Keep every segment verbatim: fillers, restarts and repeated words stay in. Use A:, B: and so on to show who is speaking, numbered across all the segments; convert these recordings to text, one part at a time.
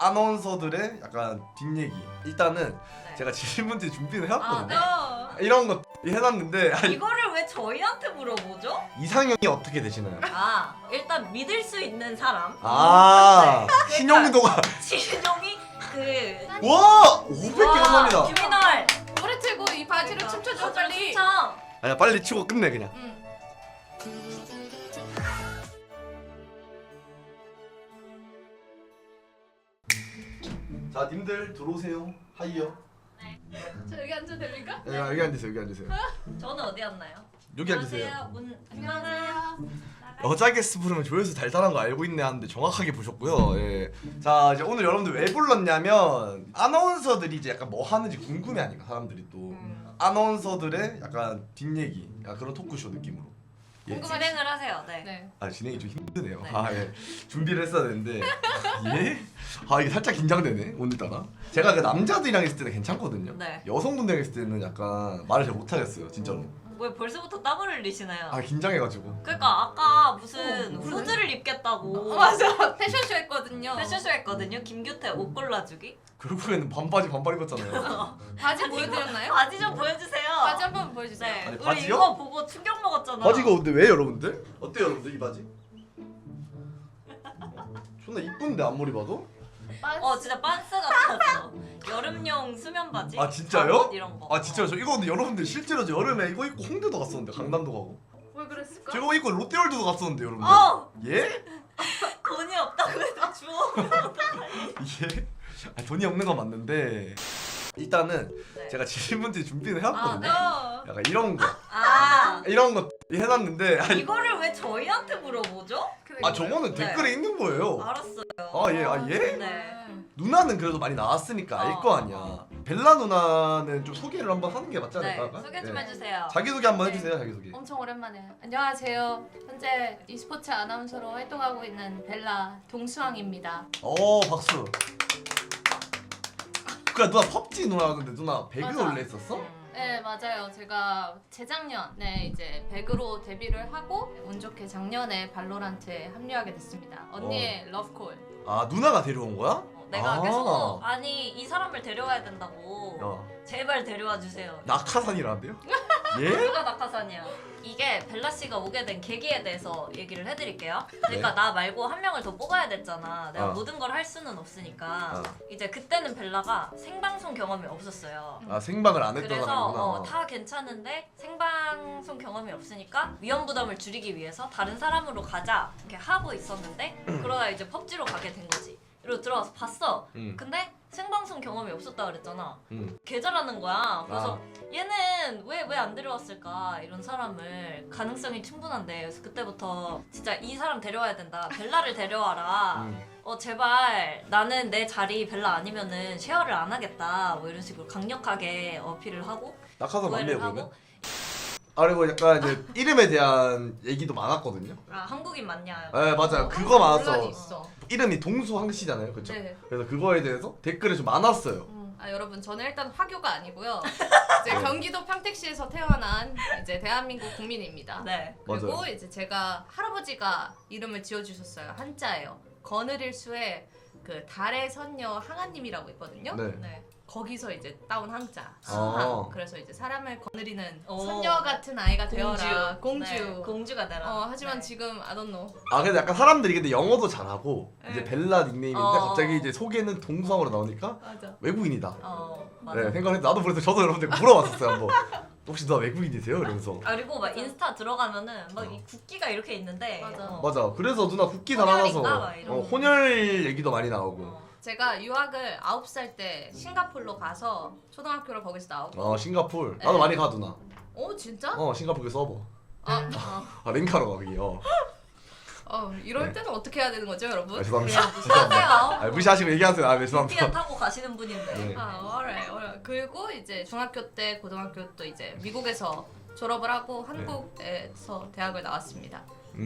A: 아나운서들의 약간 뒷얘기. 일단은
B: 네.
A: 제가 질문지 준비를 해왔거든요.
B: 아,
A: 이런 거 해놨는데
B: 네. 이거를 왜 저희한테 물어보죠?
A: 이상형이 어떻게 되시나요?
B: 아, 일단 믿을 수 있는 사람.
A: 아
B: 네.
A: 신용도가
B: 신용이 그
A: 와 오백 개
B: 와,
A: 감사합니다.
B: 규민월
C: 노래 틀고 이 바지를 춤춰줘 빨리.
B: 참.
A: 아니야 빨리 치고 끝내 그냥.
C: 응.
A: 자 님들 들어오세요. 하이요.
C: 저 여기 앉아도 됩니까?
A: 네, 여기 앉으세요. 여기 앉으세요.
B: 저는 어디 앉나요?
A: 여기 앉으세요.
B: 안녕하세요. 문
C: 안녕하세요.
A: 여자 게스트 부르면 조회수 달달한 거 알고 있네 하는데 정확하게 보셨고요. 예. 자 이제 오늘 여러분들 왜 불렀냐면 아나운서들이 이제 약간 뭐 하는지 궁금해하니까 사람들이 또
B: 음.
A: 아나운서들의 약간 뒷얘기, 약간 그런 토크쇼 느낌으로. 예.
B: 진행을 하세요. 네.
C: 네.
A: 아 진행이 좀 힘드네요.
B: 네.
A: 아 예. 준비를 했어야 되는데 예? 아 이게 살짝 긴장되네 오늘따라. 제가 그 남자들이랑 있을 때는 괜찮거든요.
B: 네.
A: 여성분들이랑 있을 때는 약간 말을 잘 못하겠어요 진짜로.
B: 왜 벌써부터 땀을 흘리시나요?
A: 아 긴장해가지고.
B: 그러니까 아까 무슨
C: 어,
B: 후드를 입겠다고
C: 어, 맞아. 패션쇼 했거든요.
B: 패션쇼 했거든요. 김규태 옷 골라주기.
A: 결국에는 반바지 반팔 입었잖아요.
C: 바지 보여드렸나요?
B: 바지 좀 보여주세요.
C: 바지 한번 보여주세요.
B: 네.
A: 아니,
B: 우리
A: 바지요?
B: 이거 보고 충격 먹었잖아.
A: 바지가 근데 왜 여러분들? 어때요 여러분들 이 바지? 존나 이쁜데 앞머리 봐도?
B: 어 진짜 빤스 같았어. 여름용 수면 바지.
A: 아 진짜요?
B: 잠옷 이런 거.
A: 아 진짜요? 저 이거 근데 여러분들 실제로 저 여름에 이거 입고 홍대도 갔었는데 강남도 가고
C: 왜 그랬을까?
A: 제가 이거 입고 롯데월드도 갔었는데 여러분들.
B: 어
A: 예?
B: 돈이 없다고 해도 줘.
A: 예? 아, 돈이 없는 건 맞는데 일단은
B: 네.
A: 제가 질문지 준비를
B: 아,
A: 해왔거든요.
B: 네.
C: 어.
A: 약간 이런 거
B: 아
A: 이런 거 해놨는데 아,
B: 이거를 왜 저희한테 물어보죠?
A: 아 저거는
B: 네.
A: 댓글에 있는 거예요.
B: 알았어요.
A: 아 예? 아 예?
B: 네.
A: 누나는 그래도 많이 나왔으니까 알 거
B: 어,
A: 아니야.
B: 어.
A: 벨라 누나는 좀 소개를 한번 하는 게 맞지
B: 네.
A: 않을까?
B: 소개 좀
A: 예.
B: 해주세요.
A: 자기소개 한번
C: 네.
A: 해주세요. 자기소개.
C: 엄청 오랜만에. 안녕하세요. 현재 e스포츠 아나운서로 활동하고 있는 벨라 동수왕입니다.
A: 오 박수. 그래 누나 펍지 누나였는데 누나 배그
C: 맞아.
A: 원래 했었어?
B: 음.
C: 네 맞아요. 제가 재작년에 이제 백으로 데뷔를 하고 운 좋게 작년에 발로란트에 합류하게 됐습니다. 언니의 러브콜.
A: 아 누나가 데려온 거야?
B: 어, 내가
A: 아.
B: 계속 아니 이 사람을 데려와야 된다고
A: 어.
B: 제발 데려와 주세요.
A: 낙하산이라는데요? 예?
B: 누가 낙하산이야? 이게 벨라 씨가 오게 된 계기에 대해서 얘기를 해드릴게요. 그러니까
A: 네.
B: 나 말고 한 명을 더 뽑아야 됐잖아. 내가
A: 어.
B: 모든 걸 할 수는 없으니까.
A: 어.
B: 이제 그때는 벨라가 생방송 경험이 없었어요.
A: 아 생방을 안 했던
B: 그래서
A: 사람이구나.
B: 어, 다 괜찮은데 생방송 경험이 없으니까 위험 부담을 줄이기 위해서 다른 사람으로 가자 이렇게 하고 있었는데 그러다 이제 펍지로 가게 된 거지. 이러고 들어와서 봤어.
A: 응.
B: 근데 생방송 경험이 없었다 그랬잖아.
A: 응.
B: 개 잘하는 거야. 그래서
A: 아.
B: 얘는 왜 왜 안 데려왔을까 이런 사람을 가능성이 충분한데 그래서 그때부터 진짜 이 사람 데려와야 된다. 벨라를 데려와라.
A: 응.
B: 어 제발 나는 내 자리 벨라 아니면은 쉐어를 안 하겠다. 뭐 이런 식으로 강력하게 어필을 하고
A: 낙하산 맞네요
B: 오해를
A: 그러면.
B: 하고
A: 아 그리고 약간 이제 이름에 대한 얘기도 많았거든요.
B: 아 한국인 맞냐?
A: 네 맞아요.
C: 어,
A: 그거
C: 논란이
A: 많았어.
C: 있어.
A: 이름이 동수항 씨잖아요, 그렇죠?
C: 네.
A: 그래서 그거에 대해서 댓글이 좀 많았어요.
C: 음, 아 여러분 저는 일단 화교가 아니고요. 이제
A: 네.
C: 경기도 평택시에서 태어난 이제 대한민국 국민입니다.
B: 네.
C: 그리고
A: 맞아요.
C: 이제 제가 할아버지가 이름을 지어주셨어요. 한자예요. 거느릴수에 그 달의 선녀 항아님이라고 있거든요.
A: 네.
B: 네.
C: 거기서 이제 따온 항자 수항.
A: 아.
C: 그래서 이제 사람을 거느리는
B: 오.
C: 선녀 같은 아이가 되어라. 공주.
B: 네, 공주가 되라.
C: 어 하지만
B: 네.
C: 지금 I don't know.
A: 아 근데 약간 사람들이 근데 영어도 잘하고
C: 네.
A: 이제 벨라 닉네임인데
B: 어.
A: 갑자기 이제 소개는 동수항으로 나오니까
C: 맞아.
A: 외국인이다.
B: 어 맞아.
A: 네 생각했는데 나도 그래서 저도 여러분들 물어봤었어요 한번. 혹시 너 외국인이세요? 이러면서.
B: 아, 그리고 막 인스타 들어가면은 막
A: 어.
B: 이 국기가 이렇게 있는데
C: 맞아.
B: 어.
A: 맞아. 그래서 누나 국기
B: 혼혈인가?
A: 달아놔서
B: 막 이런
A: 어,
B: 거.
A: 혼혈 얘기도 많이 나오고.
B: 어.
C: 제가 유학을 아홉 살 때 싱가포르로 가서 초등학교를 거기서 나오고.
A: 어 싱가폴. 나도
C: 네.
A: 많이 가 누나.
C: 어 진짜?
A: 어 싱가폴 그 서버.
C: 아, 아,
A: 아 랭카로 가 거기. 어.
C: 어 이럴
A: 네.
C: 때는 어떻게 해야 되는 거죠, 여러분?
A: 아, 죄송합니다.
B: 그냥 무시하세요.
A: 아, 무시하시고 얘기하세요. 아 네,
B: 비티아
A: 죄송합니다.
B: 타고 가시는 분인데.
A: 네.
C: 아, alright, alright. 그리고 이제 중학교 때, 고등학교 또 이제 미국에서 졸업을 하고 한국에서 대학을 나왔습니다.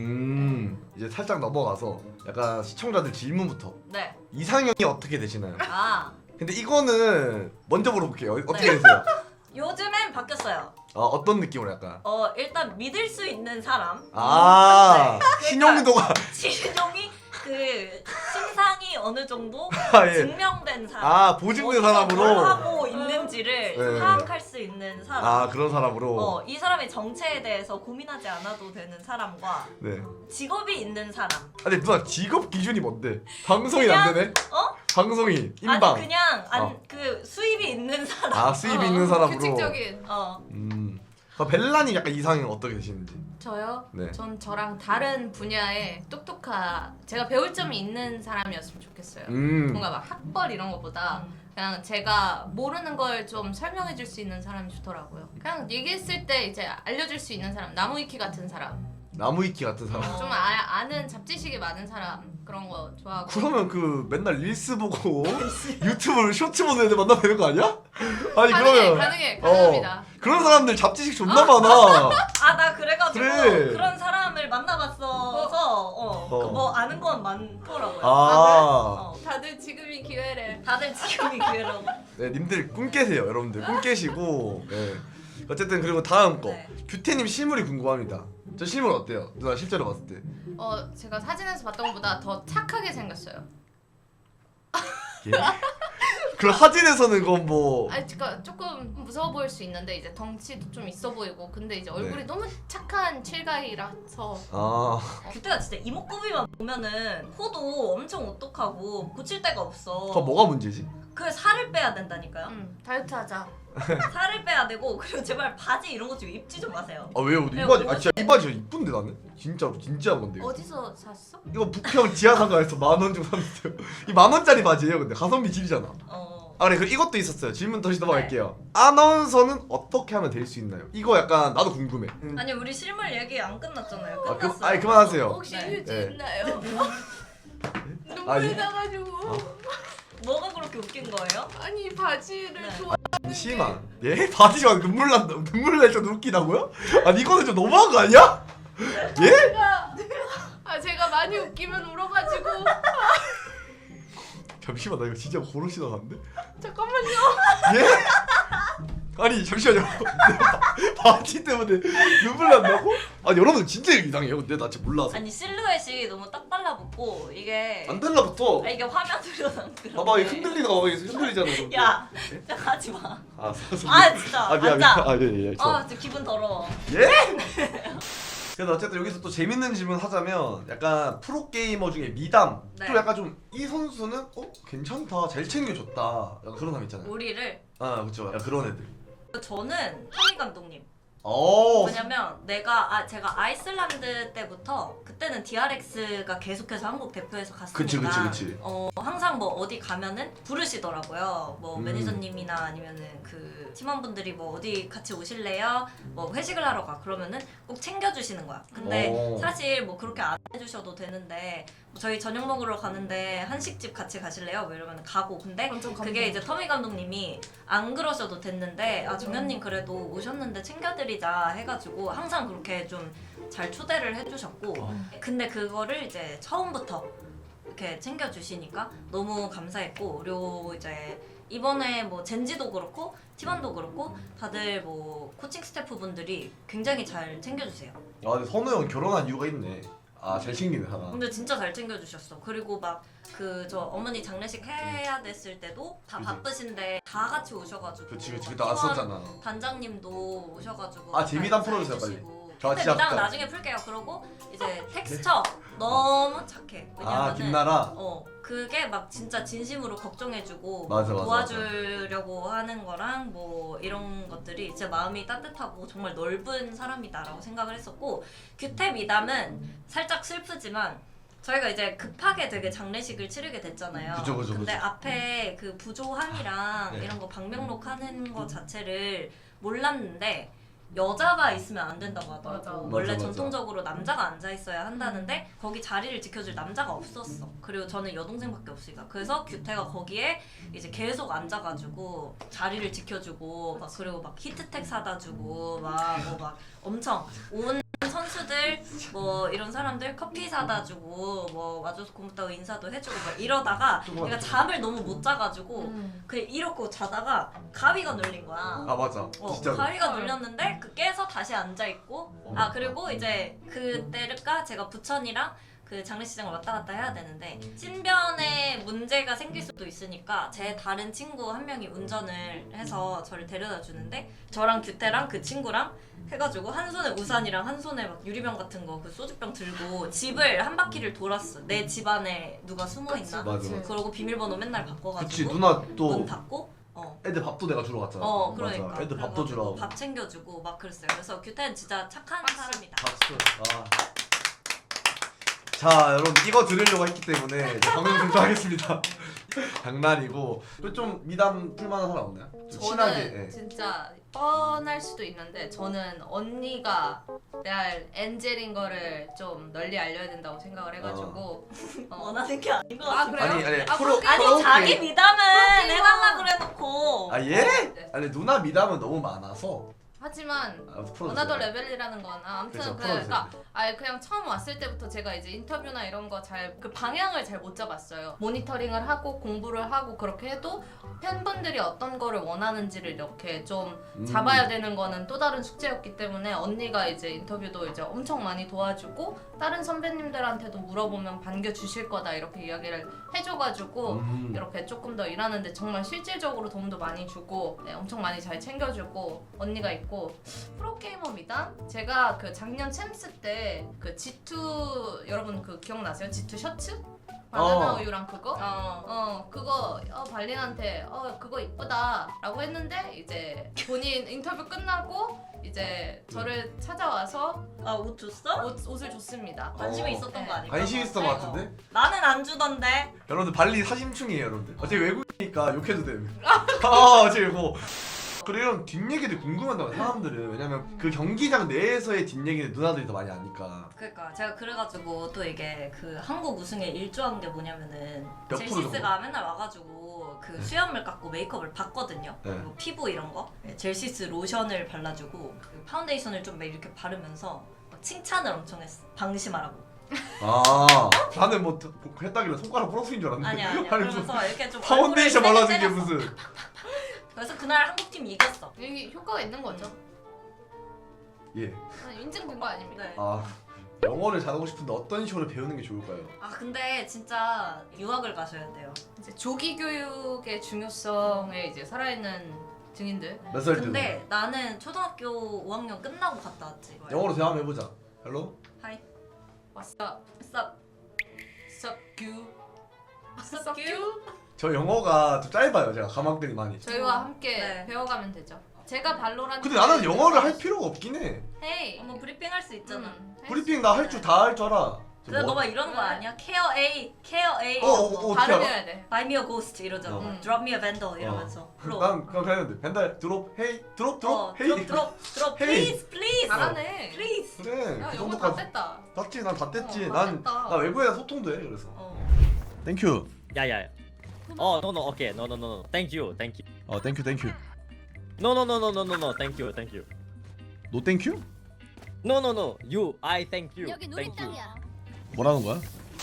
A: 음 이제 살짝 넘어가서 약간 시청자들 질문부터
B: 네.
A: 이상형이 어떻게 되시나요?
B: 아
A: 근데 이거는 먼저 물어볼게요. 어떻게
B: 네.
A: 되세요?
B: 요즘엔 바뀌었어요.
A: 어, 어떤 느낌으로 약간?
B: 어 일단 믿을 수 있는 사람.
A: 아
B: 네.
A: 신용도가
B: 신용이 그 신상이 어느 정도
A: 아, 예.
B: 증명된 사람.
A: 아 보증된
B: 어디서
A: 사람으로.
B: 뭘 하고 있는지를
A: 네.
B: 파악할 수 있는 사람.
A: 아 그런 사람으로.
B: 어, 이 사람의 정체에 대해서 고민하지 않아도 되는 사람과
A: 네.
B: 직업이 있는 사람.
A: 아, 근데 누나 직업 기준이 뭔데? 방송인 안 되네?
B: 어?
A: 방송인, 인방.
B: 아니 그냥 안,
A: 어.
B: 그 수입이 있는 사람.
A: 아 수입이
C: 어,
A: 있는 사람으로.
C: 규칙적인.
B: 어.
A: 음. 아, 벨라님 약간 이상형 어떻게 되시는지?
C: 저요?
A: 네.
C: 전 저랑 다른 분야에 똑똑하 제가 배울 점이 있는 사람이었으면 좋겠어요.
A: 음.
C: 뭔가 막 학벌 이런 것보다
B: 음.
C: 그냥 제가 모르는 걸 좀 설명해 줄 수 있는 사람이 좋더라고요. 그냥 얘기했을 때 이제 알려줄 수 있는 사람, 나무위키 같은 사람.
A: 나무위키 같은 사람.
B: 어.
C: 좀 아, 아는 잡지식이 많은 사람 그런 거 좋아하고.
A: 그러면 그 맨날 릴스 보고 유튜브를 쇼츠 보는 애들 만나면 되는 거 아니야? 아니
C: 가능해,
A: 그러면
C: 가능해,
A: 어,
C: 가능합니다.
A: 그런 사람들 잡지식 존나 많아.
B: 아 나 그래가지고
A: 그래.
B: 그런 사람을 만나봤어서 어,
A: 어.
B: 그 뭐 아는 건 많더라고요.
A: 아,
B: 어.
C: 다들 지금이 기회래.
B: 다들 지금이 기회라고.
A: 네, 님들 꿈 깨세요, 여러분들. 꿈 깨시고. 네. 어쨌든 그리고 다음 거.
B: 네.
A: 규태님 실물이 궁금합니다. 저 실물 어때요? 누나 실제로 봤을 때.
C: 어, 제가 사진에서 봤던 것보다 더 착하게 생겼어요.
A: 예? 그럼 사진에서는 그건 뭐.
C: 아니, 그러니까 조금 무서워 보일 수 있는데 이제 덩치도 좀 있어 보이고, 근데 이제 얼굴이
A: 네.
C: 너무 착한 칠가이라서.
A: 아,
B: 그때가 진짜 이목구비만 보면은 코도 엄청 오똑하고 고칠 데가 없어.
A: 그럼 뭐가 문제지?
B: 그 살을 빼야 된다니까요.
C: 음, 다이어트하자.
B: 살을 빼야 되고 그리고 제발 바지 이런 거 좀 입지 좀 마세요.
A: 아 왜요? 이 바지, 아 진짜 이 바지가 이쁜데 나는? 진짜 진짜 건데. 이거.
C: 어디서 샀어?
A: 이거 북평 지하상가에서 만 원 주고 샀는데요. 이 만 원짜리 바지예요, 근데 가성비 질이잖아.
B: 어.
A: 아 그래, 그 이것도 있었어요. 질문 다시 넘어갈게요. 아나운서는 어떻게 하면 될 수 있나요? 이거 약간 나도 궁금해. 음.
B: 아니 우리 실물 얘기 안 끝났잖아요.
A: 아,
B: 끝났어요.
A: 그, 아니 그만하세요.
C: 혹시
B: 네.
C: 휴지
A: 네.
C: 있나요? 눈물
A: 아니.
C: 나가지고.
B: 뭐가 그렇게 웃긴 거예요?
C: 아니 바지를
B: 네.
C: 좋아.
A: 잠시만. 예? 바지가 눈물 난다. 눈물 날 정도 웃기다고요? 아니 이거는 좀 너무한 거 아니야? 예?
C: 제가 아 제가 많이 웃기면 울어가지고.
A: 잠시만, 나 이거 진짜 고로 지나갔는데?
C: 잠깐만요.
A: 예? 아니 잠시만요. 바- 바지 때문에 눈물 난다고? 아니 여러분 진짜 이상해요. 근데 나 진짜 몰라서.
B: 아니 실루엣이 너무 딱 달라붙고 이게
A: 안 달라붙어.
B: 아 이게 화면으로 안 들어.
A: 봐봐, 이거 흔들리다 봐봐, 이거 흔들리잖아. 이거.
B: 야,
A: 예?
B: 진짜 가지 마.
A: 아, 서-
B: 아 진짜.
A: 아 미안
B: 앉아.
A: 미안. 아 예예. 예,
B: 아 진짜 기분 더러워.
A: 예? 그래서 어쨌든 여기서 또 재밌는 질문 하자면 약간 프로 게이머 중에 미담
B: 네.
A: 좀 약간 좀 이 선수는 어 괜찮다, 잘 챙겨줬다, 약간 그런 사람 있잖아요.
B: 우리를
A: 아 그렇죠. 약간 그런 애들.
B: 저는 토미 감독님.
A: 오.
B: 왜냐면 내가 아 제가 아이슬란드 때부터 그때는 디알엑스가 계속해서 한국 대표에서 갔으니까
A: 그치 그치 그치.
B: 어 항상 뭐 어디 가면은 부르시더라고요. 뭐
A: 음.
B: 매니저님이나 아니면은 그 팀원분들이 뭐 어디 같이 오실래요? 뭐 회식을 하러 가 그러면은 꼭 챙겨주시는 거야. 근데
A: 오.
B: 사실 뭐 그렇게 안 해주셔도 되는데 뭐 저희 저녁 먹으러 가는데 한식집 같이 가실래요? 뭐 이러면 가고. 근데
C: 완전 감동.
B: 그게 이제 터미 감독님이 안 그러셔도 됐는데 아 정현님 그래도 오셨는데 챙겨드리자 해가지고 항상 그렇게 좀 잘 초대를 해주셨고
A: 어.
B: 근데 그거를 이제 처음부터 이렇게 챙겨주시니까 너무 감사했고 그리고 이제 이번에 뭐 젠지도 그렇고 팀원도 그렇고 다들 뭐 코칭 스태프분들이 굉장히 잘 챙겨주세요.
A: 아 근데 선우 형 결혼한 이유가 있네. 아 잘 챙기네 하나.
B: 근데 진짜 잘 챙겨주셨어. 그리고 막 그 저 어머니 장례식 해야 됐을 때도 다
A: 그치.
B: 바쁘신데 다 같이 오셔가지고
A: 그치 그치 그때
B: 팀원
A: 나왔었잖아.
B: 단장님도 오셔가지고
A: 아, 제 미담
B: 잘
A: 풀어주세요, 빨리.
B: 해주시고.
A: 저
B: 근데
A: 진짜
B: 미담은
A: 진짜-
B: 나중에 풀게요. 그러고 이제 텍스처 너무 착해.
A: 아
B: 왜냐면은
A: 김나라.
B: 어 그게 막 진짜 진심으로 걱정해주고
A: 맞아, 맞아,
B: 도와주려고 하는 거랑 뭐 이런 것들이 진짜 마음이 따뜻하고 정말 넓은 사람이다라고 생각을 했었고 규태 미담은 살짝 슬프지만 저희가 이제 급하게 되게 장례식을 치르게 됐잖아요.
A: 그죠, 그죠,
B: 근데
A: 그죠.
B: 앞에 그 부조함이랑
A: 네.
B: 이런 거 방명록 하는 거 자체를 몰랐는데 여자가 있으면 안 된다고 하더라고.
C: 맞아.
B: 원래
A: 맞아, 맞아.
B: 전통적으로 남자가 앉아 있어야 한다는데 거기 자리를 지켜줄 남자가 없었어. 그리고 저는 여동생밖에 없으니까. 그래서 규태가 거기에 이제 계속 앉아가지고 자리를 지켜주고 막 그리고 막 히트텍 사다 주고 막 뭐 막 엄청 온 선수들 뭐 이런 사람들 커피 사다 주고 뭐 와줘서 고맙다고 인사도 해주고 막 이러다가
A: 조금만
B: 내가 잠을 너무 못 자가지고
C: 음.
B: 그냥 이러고 자다가 가위가 눌린 거야.
A: 아 맞아.
B: 어,
A: 진짜.
B: 가위가 눌렸는데 그 깨서 다시 앉아 있고 아 그리고 이제 그때가 제가 부천이랑 그 장례식장을 왔다 갔다 해야 되는데 신변에 문제가 생길 수도 있으니까 제 다른 친구 한 명이 운전을 해서 저를 데려다 주는데 저랑 규태랑 그 친구랑 해가지고 한 손에 우산이랑 한 손에 막 유리병 같은 거 그 소주병 들고 집을 한 바퀴를 돌았어. 내 집 안에 누가 숨어 있나?
A: 맞아, 맞아.
B: 그러고 비밀번호 맨날 바꿔가지고
A: 그치 누나
B: 문
A: 또
B: 닫고 어.
A: 애들 밥도 내가 주러 갔잖아.
B: 어 그러니까
A: 맞아. 애들 밥도
B: 그래가지고
A: 주러 가고.
B: 밥 챙겨주고 막 그랬어요. 그래서 규태는 진짜 착한
C: 박수.
B: 사람이다.
A: 박수. 아. 자 여러분 이거 들으려고 했기 때문에 방송 중단하겠습니다. 장난이고 또 좀 미담 풀만한 사람 없나요? 좀
C: 저는
A: 친하게. 예.
C: 진짜 뻔할 수도 있는데 저는 언니가 레알 엔젤인 거를 좀 널리 알려야 된다고 생각을 해가지고 어.
B: 원하는 게 아닌 것
C: 아
B: 같아.
C: 그래요?
A: 아니, 아니,
C: 아,
A: 프로-
C: 프로게이머.
B: 아니
A: 프로게이머.
B: 자기 미담은
C: 프로게이머.
B: 해달라 그래놓고
A: 아 예?
C: 네.
A: 아니 누나 미담은 너무 많아서.
C: 하지만
A: 아, 풀어주세요.
C: 어나더 레벨이라는 건 아, 아무튼
A: 그렇죠,
C: 그,
A: 풀어주세요.
C: 그러니까 아예 그냥 처음 왔을 때부터 제가 이제 인터뷰나 이런 거 잘 그 방향을 잘 못 잡았어요. 모니터링을 하고 공부를 하고 그렇게 해도 팬분들이 어떤 거를 원하는지를 이렇게 좀
A: 음.
C: 잡아야 되는 거는 또 다른 숙제였기 때문에 언니가 이제 인터뷰도 이제 엄청 많이 도와주고 다른 선배님들한테도 물어보면 반겨 주실 거다 이렇게 이야기를 해줘가지고
A: 음.
C: 이렇게 조금 더 일하는데 정말 실질적으로 도움도 많이 주고 네, 엄청 많이 잘 챙겨주고 언니가 있고 프로게이머입니다. 제가 그 작년 챔스 때 그 지투 여러분 그 기억나세요? 지투 셔츠? 바나나
A: 어.
C: 우유랑 그거?
B: 어.
C: 어 그거 어, 발린한테 어 그거 이쁘다 라고 했는데 이제 본인 인터뷰 끝나고 이제 저를 찾아와서
B: 아옷 줬어?
C: 옷, 옷을 줬습니다.
B: 관심이
A: 어.
B: 있었던
C: 네.
B: 거 아닐까?
A: 관심 있었던 것
C: 네.
A: 같은데?
B: 나는 안 주던데.
A: 여러분들 발리 사심충이에요 여러분들. 어차피 외국이니까 욕해도 돼요. 아 지금 뭐 그리고 이런 뒷얘기들 궁금하다고 사람들은. 왜냐면 그 경기장 내에서의 뒷얘기는 누나들이 더 많이 아니까.
B: 그러니까 제가 그래가지고 또 이게 그 한국 우승에 일조한 게 뭐냐면은
A: 몇 프로
B: 젤시스가 맨날 와가지고 그 수염을 깎고 메이크업을 받거든요.
A: 네.
B: 그리고 피부 이런 거 젤시스 로션을 발라주고 그 파운데이션을 좀 막 이렇게 바르면서 막 칭찬을 엄청 했어. 방심하라고.
A: 아 나는 뭐 했다길래 손가락 부러뜨린 줄 알았는데.
B: 아니야 아니야.
A: 아니, 무슨
B: 그러면서 이렇게 좀
A: 파운데이션
B: 얼굴을
A: 발라준 게
B: 세게 때렸어.
A: 무슨.
B: 그래서 그날 한국팀 이겼어.
C: 이게 효과가 있는 거죠.
A: 예.
C: 아니, 인증된 거 아닙니까?
B: 네.
A: 아 영어를 잘하고 싶은데 어떤 식으로 배우는 게 좋을까요?
B: 아 근데 진짜 유학을 가셔야 돼요.
C: 이제 조기 교육의 중요성에 이제 살아있는 증인들.
A: 몇 살 때도?
B: 근데 나는 초등학교 오 학년 끝나고 갔다 왔지.
A: 영어로 대화 한번 해보자. 헬로?
B: 하이.
C: What's up?
B: What's up?
C: What's up, you?
B: What's up, you?
A: 저 영어가 좀 짧아요. 제가 가망들이 많이.
C: 저희와 함께
B: 네.
C: 배워가면 되죠. 제가 발로란트.
A: 근데 나는 영어를 할 필요가 없긴 해.
C: 헤이.
B: 어머 브리핑 할 수 있잖아.
C: 음, 할수
A: 브리핑 나 할 줄 다 할 줄 알아.
B: 근데
A: 뭐-
B: 너가 이러는 거 아니야? 케어 A, 케어 A.
A: 어, 어, 어, 어떻게 알아?
C: 발음해야 돼.
B: Buy me a ghost 이러잖아.
A: 어.
B: Drop me a vendor 이러면서. 프로.
A: 난 그냥 했는데 벤달 드롭 헤이 드롭 드롭
B: 어,
A: 헤이
B: drop, drop, drop.
A: 헤이.
B: Please, please,
C: 잘하네.
B: please.
A: 그래
C: 야
A: 그
C: 영어 다
A: 정도까지
C: 뺐다.
A: 땄지. 난 다 뗐지.
C: 어, 다
A: 난
C: 뗐다.
A: 나 외국에서 소통도 해. 그래서
B: 어.
A: 땡큐.
D: Yeah, yeah. Oh no no okay no no no no thank you thank you
A: 어 땡큐 땡큐.
D: no no no no no no no thank you thank you
A: 노 땡큐?
D: no no no you I thank you
E: 여기
D: thank you
E: 놀이땅이야.
A: 뭐라는 거야?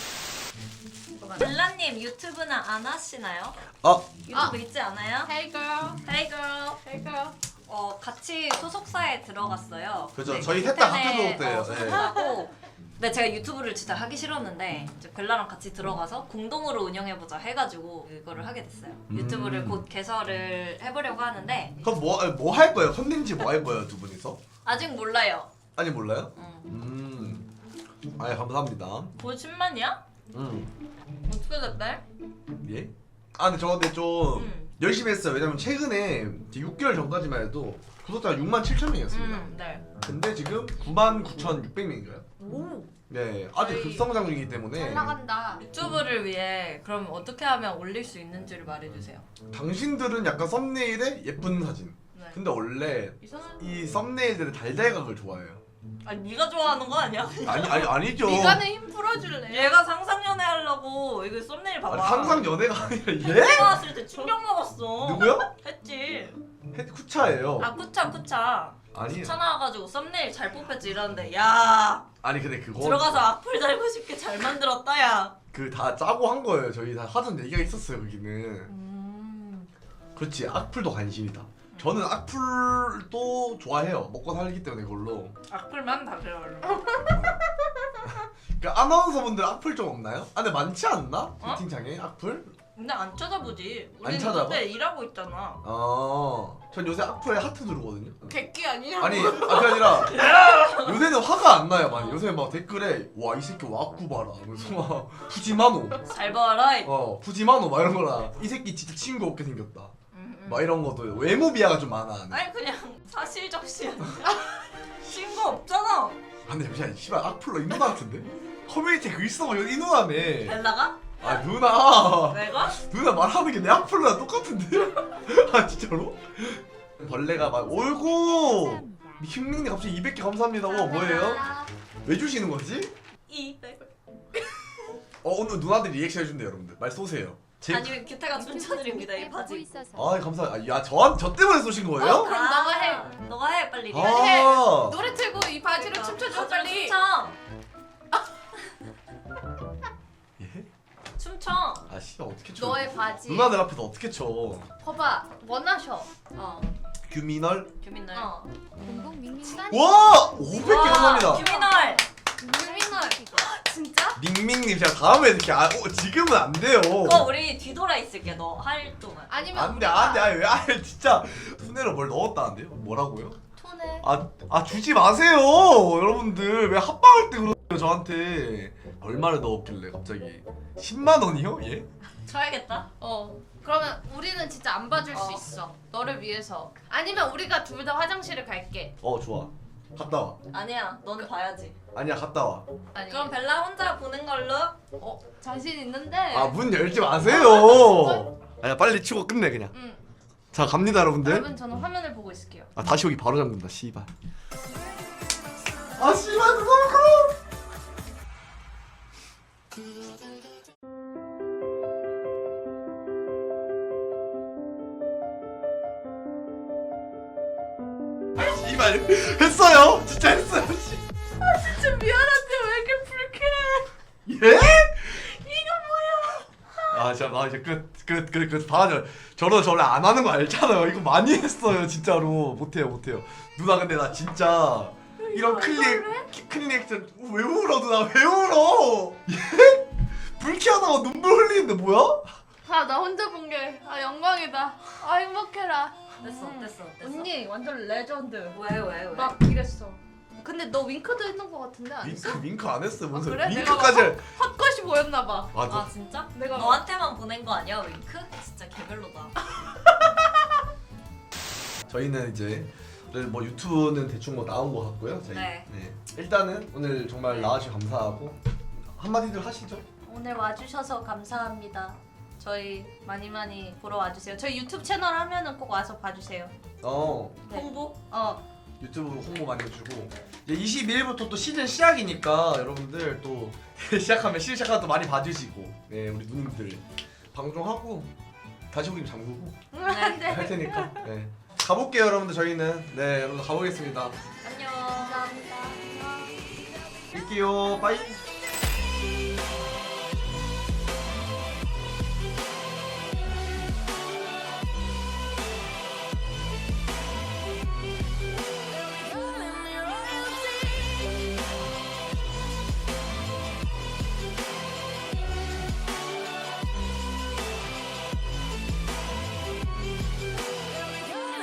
B: 젤라님 유튜브는 안 하시나요?
A: 아
B: 유튜브
C: 아.
B: 있지 않아요?
C: Hey girl.
B: Hey girl.
C: Hey girl.
B: 어 같이 소속사에 들어갔어요.
A: 그죠.
B: 네,
A: 저희 셋다
B: 호텔에,
A: 학교 소속대예요.
B: 어, 소속사고. 근데 제가 유튜브를 진짜 하기 싫었는데 이제 벨라랑 같이 들어가서 공동으로 운영해보자 해가지고 이거를 하게 됐어요.
A: 음.
B: 유튜브를 곧 개설을 해보려고 하는데
A: 그럼 뭐뭐 할 거예요? 컨텐츠 뭐 할 거예요 두 분이서?
B: 아직 몰라요.
A: 아니 몰라요?
B: 음.
A: 음. 아예 감사합니다.
B: 곧 십만이야?
A: 음.
B: 어떻게 됐대?
A: 예? 아 근데 저 근데 좀
B: 음.
A: 열심히 했어요. 왜냐면 최근에 이제 육 개월 전까지만 해도 구독자가 육만 칠천 명이었습니다.
B: 음, 네.
A: 근데 지금 구만 구천육백 명인가요?
B: 오.
A: 네, 아직
B: 저희
A: 급성장 중이기 때문에
C: 잘 나간다.
B: 유튜브를 위해 그럼 어떻게 하면 올릴 수 있는지를 말해주세요.
A: 당신들은 약간 썸네일에 예쁜 사진.
B: 네.
A: 근데 원래
B: 이상한.
A: 이 썸네일들은 달달각을 좋아해요.
B: 아니 네가 좋아하는 거 아니야?
A: 아니 아니 아니죠.
C: 미간에 힘 풀어줄래?
B: 얘가 상상연애 하려고 이거 썸네일 봐봐.
A: 아니, 상상 연애가 아니라 얘?
B: 내가 왔을 때 충격 먹었어.
A: 누구요?
B: 했지.
A: 헤 쿠차예요.
B: 아 쿠차 쿠차.
A: 아니
B: 쿠차 나와가지고 썸네일 잘 뽑혔지 이러는데 야
A: 아니 근데 그거
B: 들어가서 악플 달고 싶게 잘 만들었다 야.
A: 그 다 짜고 한 거예요. 저희 다 하던 얘기가 있었어요. 거기는.
B: 음.
A: 그렇지. 악플도 관심이다. 저는 악플도 좋아해요. 먹고 살기 때문에 그걸로.
B: 악플만 다 그래요.
A: 그러니까 아나운서분들 악플 좀 없나요? 아 근데 많지 않나?
B: 어?
A: 채팅창에 악플?
B: 근데 안 찾아보지.
A: 안
B: 우리는
A: 찾아봐?
B: 그때 일하고 있잖아.
A: 어. 전 요새 악플에 하트 누르거든요.
C: 객기 아니야?
A: 아니, 아 그게 아니라 요새는 화가 안 나요, 많이. 요새 막 댓글에 와 이 새끼 와꾸 봐라. 그래서 막 푸지마노.
B: 잘 봐라. 이-
A: 어, 푸지마노 막 이런 거라. 이 새끼 진짜 친구 없게 생겼다.
B: 음, 음.
A: 막 이런 것도 외모 비하가 좀 많아.
B: 아니 그냥 사실적시야. 친구 없잖아.
A: 아, 근데 잠시만, 씨발 악플러 이 누나 같은데? 커뮤니티에 글 써봐, 이 누나네.
B: 벨라가?
A: 아 누나.
B: 내가?
A: 누나 말하는 게 내 악플러랑 똑같은데? 아 진짜로? 벌레가 막 올고 킹링님 갑자기 이백 개 감사합니다. 와 뭐예요? 왜 주시는 거지?
B: 이백.
A: 어 오늘 누나들이 리액션 해준대요 여러분들. 말 쏘세요. 제...
B: 아니면 규태가 춤춰드립니다 이 바지.
A: 아 감사. 아, 야 저, 저 때문에 쏘신 거예요?
C: 어, 그럼 너가 해.
B: 너가 해 빨리.
A: 아.
C: 노래 틀고 이 바지로 춤춰줘 빨리.
B: 춤춰.
A: 예?
B: 춤춰.
A: 아 씨발 어떻게 쳐?
C: 너의 바지.
A: 누나들 앞에서 어떻게 쳐?
C: 봐봐 원하셔.
B: 어.
A: 규민얼.
B: 규민널.
C: 어. 친하니.
A: 와 오백 개
B: 와,
A: 감사합니다.
B: 규민널.
C: 유민월. 진짜?
A: 닝밍님 제가 다음에 이렇게 아 어, 지금은 안 돼요.
B: 그거 우리 뒤돌아 있을게 너 할 동안.
C: 아니면
A: 안돼
C: 우리가
A: 안돼 아니 왜 아예 진짜 순회로 뭘 넣었다는데요? 뭐라고요?
C: 톤에
A: 아, 아 주지 마세요 여러분들 왜 합방할 때 그러세요 저한테. 얼마를 넣었길래 갑자기 십만 원이요? 예?
B: 쳐야겠다.
C: 어 그러면 우리는 진짜 안 봐줄 수
B: 어.
C: 있어 너를 위해서. 아니면 우리가 둘 다 화장실을 갈게.
A: 어 좋아 갔다 와.
B: 아니야 너는 봐야지.
A: 아니야 갔다 와.
C: 아니
B: 그럼 벨라 혼자 보는 걸로.
C: 어 자신 있는데.
A: 아 문 열지 마세요. 아니야 빨리 치고 끝내 그냥.
C: 응.
A: 자 갑니다 여러분들.
C: 여러분 저는 화면을 보고 있을게요.
A: 아 다시 오기 바로 잠근다 씨발. 아 씨발 너무 커. 아 씨발 했어요 진짜 했어요. 씨.
C: 진짜 미안한데 왜 이렇게 불쾌해?
A: 예? 이거 뭐야? 아 진짜 나 이제 끝끝끝끝 봐줘. 저러 저 원래 안 하는 거 알잖아요. 이거 많이 했어요 진짜로. 못해요 못해요. 누나 근데 나 진짜 이런 클릭 키- 클릭 액션 왜 울어 누나 왜 울어? 예? 불쾌하다고 눈물 흘리는데 뭐야?
C: 아 나 혼자 본 게 아 영광이다. 아 행복해라.
B: 됐어 됐어 됐어.
C: 언니 완전 레전드.
B: 왜 왜 왜?
C: 막 이랬어. 근데 너 윙크도 했던 거 같은데 안 했어?
A: 윙크 윙크 안 했어. 뭔
C: 아,
A: 소리?
C: 그래?
A: 윙크까지.
C: 내가 헛것이 보였나 봐.
A: 아,
B: 아
A: 너,
B: 진짜?
C: 내가
B: 너한테만 보낸 거 아니야 윙크? 진짜 개별로다.
A: 저희는 이제 오늘 뭐 유튜브는 대충 뭐 나온 것 같고요. 저희.
B: 네.
A: 일단은 오늘 정말 나와주셔서 감사하고 한마디들 하시죠.
C: 오늘 와주셔서 감사합니다. 저희 많이 많이 보러 와주세요. 저희 유튜브 채널 하면은 꼭 와서 봐주세요.
A: 어.
C: 네.
B: 홍보?
C: 어
A: 유튜브 홍보 많이 해주고 이제 이십이 일부터 또 시즌 시작이니까 여러분들 또 시작하면 시즌 시작하면 또 많이 봐주시고 네 우리 누님들 방송하고 다시 오긴 잠그고
C: 안돼.
A: 할 테니까 네 가볼게요 여러분들. 저희는 네 여러분들 가보겠습니다.
B: 안녕.
C: 감사합니다.
A: 뵐게요 빠이.